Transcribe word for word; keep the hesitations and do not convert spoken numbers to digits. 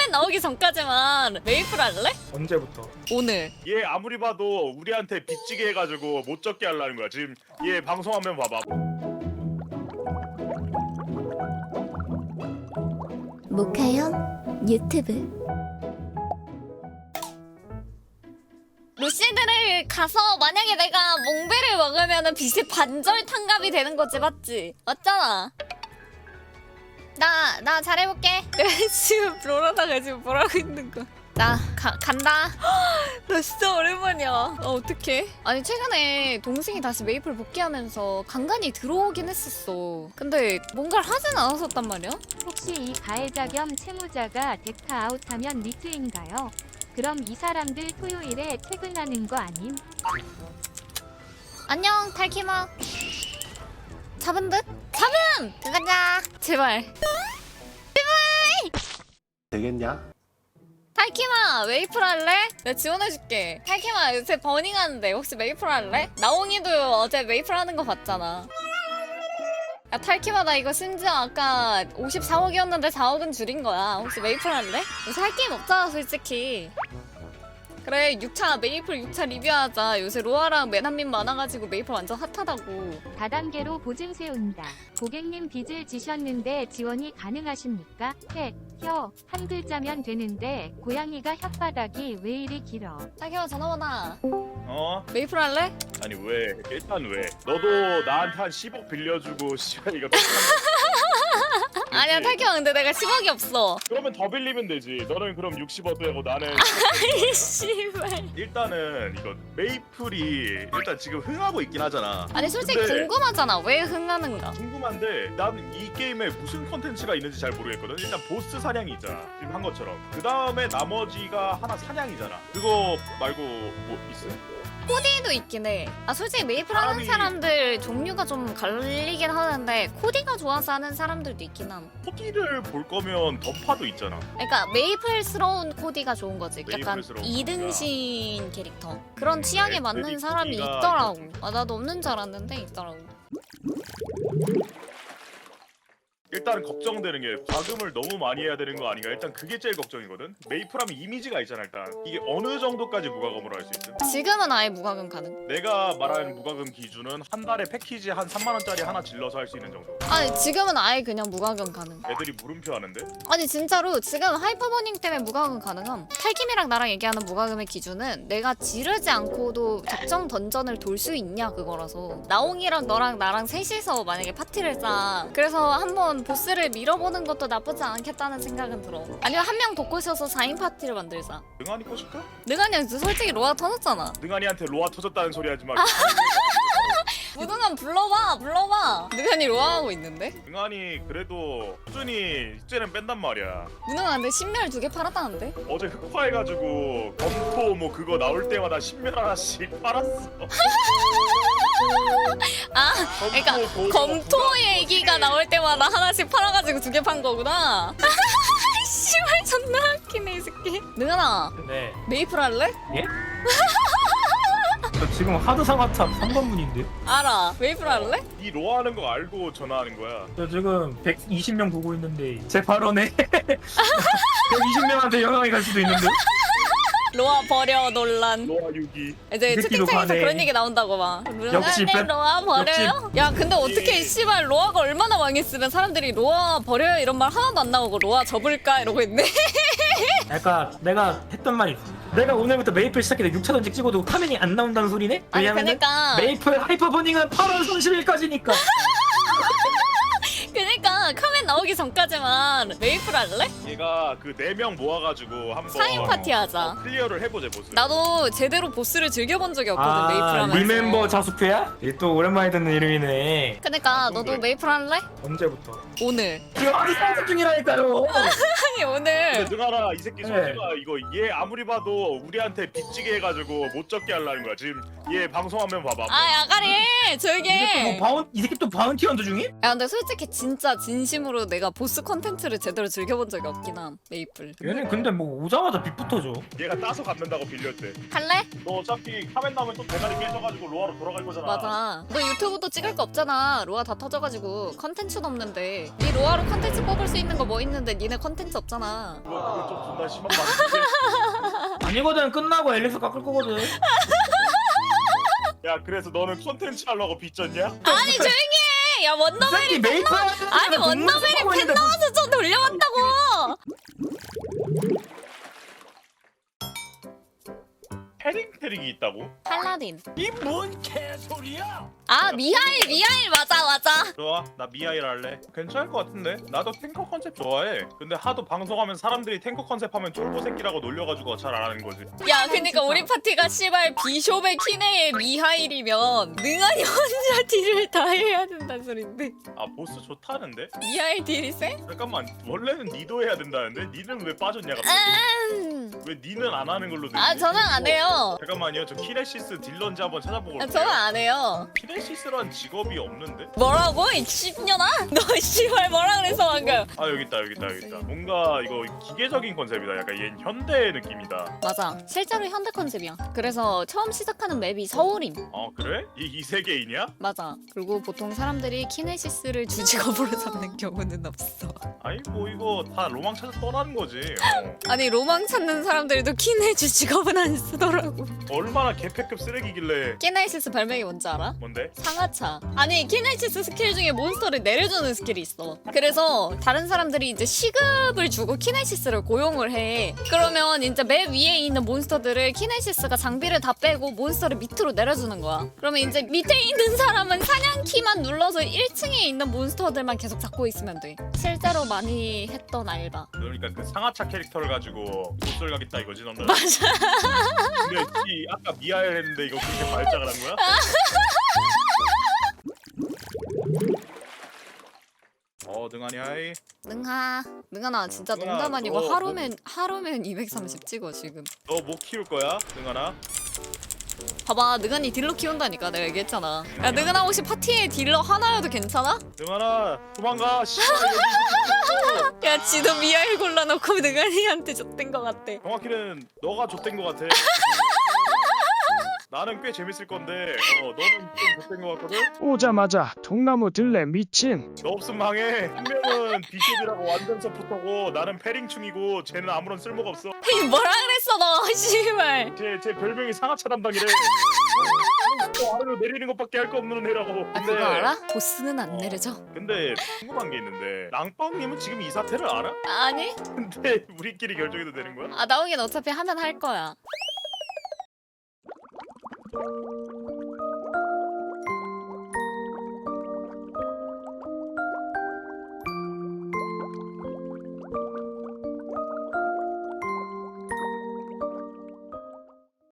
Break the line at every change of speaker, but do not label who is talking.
카멘 나오기 전까지만 메이플 할래?
언제부터?
오늘.
얘 아무리 봐도 우리한테 빚지게 해가지고 못 적게 하려는 거야. 지금 얘 방송하면 봐봐.
모카형 유튜브.
루시드를 가서 만약에 내가 몽베를 먹으면은 빚이 반절 탕감이 되는 거지, 맞지? 맞잖아. 나, 나 잘해볼게. 내가 지금 롤하다가 지금 뭐라고 있는 거야. 나 가, 간다. 나 진짜 오랜만이야. 어, 어떡해? 아니 최근에 동생이 다시 메이플 복귀하면서 간간히 들어오긴 했었어. 근데 뭔가를 하진 않았었단 말이야.
혹시 이 가해자 겸 채무자가 덱타 아웃하면 리트인가요? 그럼 이 사람들 토요일에 퇴근하는 거 아님?
안녕 탈키마. 잡은 듯? 잡음! 가자. 제발.
되겠냐?
탈키마 메이플 할래? 내가 지원해줄게. 탈키마 요새 버닝하는데 혹시 메이플 할래? 나옹이도 어제 메이플 하는 거 봤잖아. 야 탈키마 나 이거 심지어 아까 오십사억이었는데 사억은 줄인 거야. 혹시 메이플 할래? 요새 할 게임 없잖아 솔직히. 그래 육 차 메이플 육 차 리뷰하자. 요새 로아랑 매난민 많아가지고 메이플 완전 핫하다고.
다단계로 보증 세운다. 고객님 빚을 지셨는데 지원이 가능하십니까? 해, 혀, 한 글자면 되는데 고양이가 혓바닥이 왜 이리 길어?
탈키마 전화 받아.
어?
메이플 할래?
아니 왜? 일단 왜? 너도 나한테 한 십억 빌려주고 씨발 이거 똑같은
아니야 탈키마 근데 내가 십억이 없어.
그러면 더 빌리면 되지. 너는 그럼 육십억 되고 나는
이 씨발.
일단은 이거 메이플이 일단 지금 흥하고 있긴 하잖아.
아니 솔직히
근데
궁금하잖아. 왜 흥하는가?
궁금한데 나는 이 게임에 무슨 컨텐츠가 있는지 잘 모르겠거든. 일단 보스 사냥이 있잖아 지금 한 것처럼. 그 다음에 나머지가 하나 사냥이잖아. 그거 말고 뭐 있어?
코디도 있긴 해. 아 솔직히 메이플 하는
사람이-
사람들 종류가 좀 갈리긴 하는데 코디가 좋아서 하는 사람들도 있긴 함.
코디를 볼 거면 던파도 있잖아.
그러니까 메이플스러운 코디가 좋은 거지. 약간
메이플스러운
이등신 캐릭터. 그런
음,
취향에 맞는
애들이
사람이
코디가
있더라고. 아 나도 없는 줄 알았는데 있더라고.
일단 걱정되는 게 과금을 너무 많이 해야 되는 거 아닌가. 일단 그게 제일 걱정이거든. 메이플하면 이미지가 있잖아. 일단 이게 어느 정도까지 무과금으로 할 수 있음?
지금은 아예 무과금 가능.
내가 말하는 무과금 기준은 한 달에 패키지 한 삼만 원짜리 하나 질러서 할 수 있는 정도.
아니 지금은 아예 그냥 무과금 가능.
애들이 물음표 하는데?
아니 진짜로 지금 하이퍼버닝 때문에 무과금 가능함. 탈김이랑 나랑 얘기하는 무과금의 기준은 내가 지르지 않고도 적정 던전을 돌 수 있냐 그거라서. 나옹이랑 너랑 나랑 셋이서 만약에 파티를 짜. 그래서 한번 보스를 밀어보는 것도 나쁘지 않겠다는 생각은 들어. 아니면 한 명 더 꼬셔서 사 인 파티를 만들자.
능한이 꼬실까?
능한이 솔직히 로아 터졌잖아.
능한이한테 로아 터졌다는 소리 하지 말고.
무능한 불러봐 불러봐. 능한이 로아하고 있는데?
능한이 그래도 꾸준히 숙제는 뺀단 말이야.
무능한데 신멸 두 개 팔았다는데?
어제 흑화해가지고 검토 뭐 그거 나올 때마다 신멸 하나씩 팔았어.
아
검토,
그러니까
도로,
검토
부가-
얘기가 나올 때마다 하나씩 팔아가지고 두 개 판 거구나. 씨발 존나 웃기네 이 새끼. 능한아
네.
메이플 할래?
저 지금 하드 상하탑 삼 번문인데.
알아. 메이플 할래?
이 로아 하는 거 알고 전화하는 거야.
저 지금 백이십 명 보고 있는데 제 발언에 백이십 명한테 영향이 갈 수도 있는데.
로아 버려 논란.
로아 유기.
이제
이 새끼도
채팅창에서
가네.
그런 얘기 나온다고 막.
역시
능한데
뺀-
로아 버려요? 야 근데 어떻게 씨발 로아가 얼마나 망했으면 사람들이 로아 버려요 이런 말 하나도 안 나오고 로아 접을까 이러고 있네.
약간 내가 했던 말이 있어. 내가 오늘부터 메이플 시작해서 육 차 던직 찍어도 화면이 안 나온다는 소리네?
아니
왜냐면
그러니까
메이플 하이퍼버닝은 팔월 삼십일까지니까.
그러니까 카멘 나오기 전까지만 메이플 할래?
얘가 그 네 명 모아가지고 한번
사 인 파티 하자.
클리어를 해보자 보스.
나도 제대로 보스를 즐겨본 적이 없거든 메이플
아,
하면서.
리멤버 자수표야? 얘 또 오랜만에 듣는 이름이네.
그러니까 너도
그래.
메이플 할래?
언제부터?
오늘.
지금 아니 상습 중이라니까요.
아니 오늘.
근데 능하나 이 새끼
네.
소리가 이거 얘 아무리 봐도 우리한테 빚지게 해가지고 못 적게 하려는 거야. 지금 얘 방송하면 봐봐.
아 야가리 조용히
이 새끼 뭐
해.
바운 이 새끼 또 바운티 헌터 중이?
야 근데 솔직히 진짜 진심으로 내가 보스 컨텐츠를 제대로 즐겨본 적이 없긴 함 메이플.
얘는 근데 뭐 오자마자 빚부터 줘.
얘가 따서 갖는다고 빌렸대.
할래?
너 어차피 카멘 나오면 또 대가리 깨져가지고 로아로 돌아갈 거잖아.
맞아. 너 유튜브도 찍을 거 없잖아. 로아 다 터져가지고 컨텐츠도 없는데. 네 로아로 컨텐츠 뽑을 수 있는 거 뭐 있는데 니네 컨텐츠 없잖아.
그거 그거 좀 존나 심한 말인데.
아니거든. 끝나고 앨리스 깎을 거거든.
야 그래서 너는 컨텐츠 하려고 빚졌냐?
아니 조용히 해. 야 원더베리
메이플
아니 원더베리 팬 나와서 좀 돌려봤다고.
패링 패링이 있다고?
팔라딘.
이 뭔 개소리야?
아 미하일 미하일 맞아 맞아.
좋아 나 미아일 할래. 괜찮을 것 같은데. 나도 탱커 컨셉 좋아해. 근데 하도 방송하면 사람들이 탱커 컨셉 하면 쫄보 새끼라고 놀려가지고 잘 안 하는 거지.
야 그니까 우리 파티가 씨발 비숍의 키네의 미하일이면 능한이 혼자 딜을 다 해야 된다는 소린데.
아 보스 좋다는데?
미하일 딜이 세?
잠깐만 원래는 니도 해야 된다는데? 니는 왜 빠졌냐 갑자기?
음.
왜 니는 안 하는 걸로 되지?
아 저는 안 해요.
잠깐만요 저 키네시스 딜런지 한번 찾아보고
아,
올게요.
저는 안 해요.
키네시스란 직업이 없는데?
뭐라고? 이 씹년아? 너 씨발 뭐라 그랬어 방금?
아 여기 있다 여기 있다 여기 있다. 뭔가 이거 기계적인 컨셉이다. 약간 얘 현대 느낌이다.
맞아. 실제로 현대 컨셉이야. 그래서 처음 시작하는 맵이 서울임.
어 그래? 이, 이 세계이냐?
맞아. 그리고 보통 사람들이 키네시스를 주직업으로 삼는 경우는 없어.
아니 뭐 이거 다 로망 찾아 떠나는 거지. 어.
아니 로망 찾는 사람들도 키네 주직업은 안 쓰더라고.
얼마나 개패급 쓰레기길래.
키네시스 별명이 뭔지 알아?
뭔데?
상하차. 아니 키네시스 스킬 중에 몬스터를 내려주는 스킬이 있어. 그래서 다른 사람들이 이제 시급을 주고 키네시스를 고용을 해. 그러면 이제 맵 위에 있는 몬스터들을 키네시스가 장비를 다 빼고 몬스터를 밑으로 내려주는 거야. 그러면 이제 밑에 있는 사람은 사냥키만 눌러서 일 층에 있는 몬스터들만 계속 잡고 있으면 돼. 실제로 많이 했던 알바.
그러니까 그 상하차 캐릭터를 가지고 못쏠 가겠다 이거지 너는.
맞아.
근데 이 아까 미아엘 했는데 이거 그렇게 발작을 한 거야? 어 능하니 하이.
능하. 능하나 진짜
능하,
농담 아니고
너
하루면 하루면 이백삼십 찍어 지금.
너 뭐 키울 거야 능하나?
봐봐 능한이 딜러 키운다니까 내가 얘기했잖아. 야 능한아 혹시 파티에 딜러 하나여도 괜찮아?
능하나 도망가. 씨발 여기
야 지도 미아일 골라놓고 능한이한테 줬던 것 같대.
정확히는 너가 좆된 거 같아. 나는 꽤 재밌을 건데 어 너는 좀 좆된 거 같거든?
오자마자 통나무 들레 미친.
너 없음 망해. 한 명은 비숍이라고 완전 서포터고 나는 패링충이고 쟤는 아무런 쓸모가 없어.
이 뭐라 그랬어 너 씨발.
제, 제 별명이 상하차 담당이래. 어, 아래로 내리는 것밖에 할 거 없는 애라고.
아 그거 알아? 보스는 안 내려져.
근데 궁금한 게 있는데 랑빵님은 지금 이 사태를 알아?
아니?
근데 우리끼리 결정해도 되는 거야?
아 나오긴 어차피 하면 할 거야.